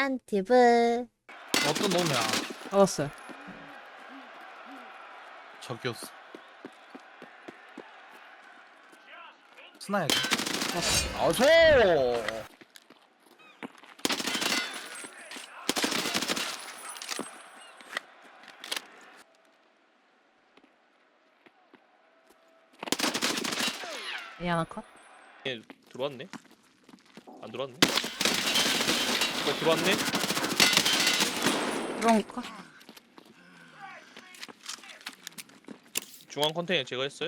짠티브. 어떤 놈이야? 잡았어요. 저기였어. 스나야지. 아소! 이 하나 컷. 얘 들어왔네? 안 들어왔네? 들어왔네? 그런 컷. 중앙 컨테이너 제가 했어요?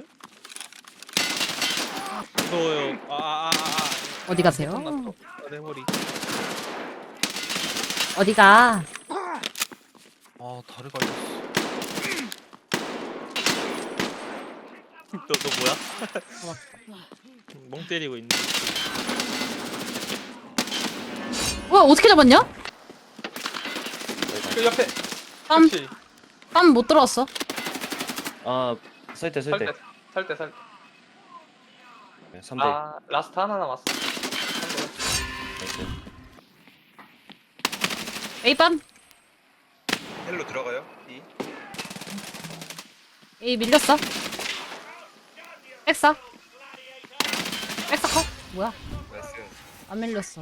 무서워요. 어디 가세요? 내 머리. 어디가? 아, 다리 갈렸어. 너 뭐야? 멍 때리고 있네. 와 어떻게 잡았냐? 그 옆에. 땀 못 들어왔어. 아, 설대. 살때 3대. 아 라스트 하나 남았어. A밤. 헬로 들어가요? B. A 밀렸어. 백사. 백사 컷. 뭐야? 나이스. 안 밀렸어.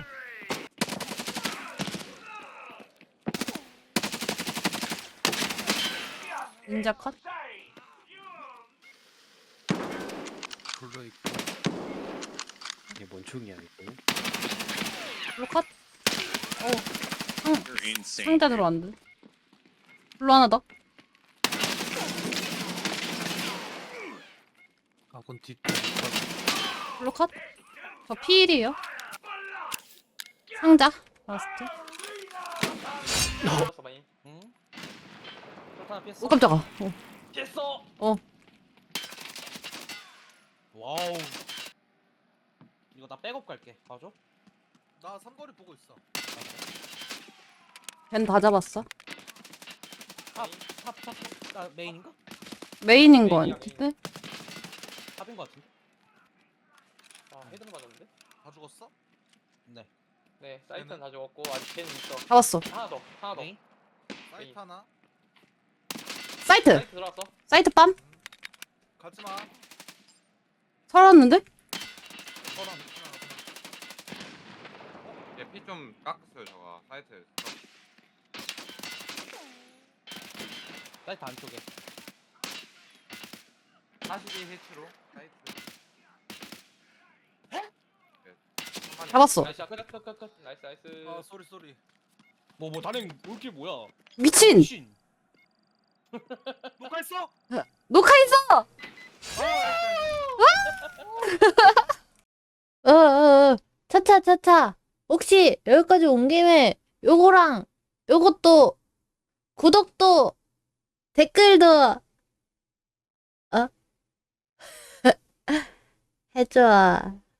닌자 컷. 불러 있고. 이게 뭔 총이야 이거? 블루 컷. 상자 들어왔는데. 블루 하나 더. 아군 뒷. 블루 컷. 저 P1이에요. 상자. 라스트. 들어갔어 많이. 응? 하나 피했어. 오 깜짝아. 피했어. 와우. 이거 나 백업 갈게. 봐줘. 나 삼거리 보고 있어. 걘 다 잡았어. 탑. 나 메인인가? 메인인 거 메인이야, 같은데? 탑인 거 같은데? 아 헤드는 맞았는데? 다 죽었어? 네. 네 사이트는 다 죽었고 아직 걔는 있어. 잡았어. 하나 더. 메인? 사이트 하나? 사이트. 사이트 들어왔어. 사이트 빰. 가지마. 살았는데? 서랑 얘피 좀 깎았어요 저거 사이트. 사이트 안쪽에. 42 히트로 사이트. 잡았어. 나이스 끝. 나이스. 아, 쏘리. 뭐 단행 올길 뭐야? 미친. 미친. 누가 있어? 녹화했어. 차차. 혹시 여기까지 온 김에 요거랑 요것도 구독도 댓글도 해줘.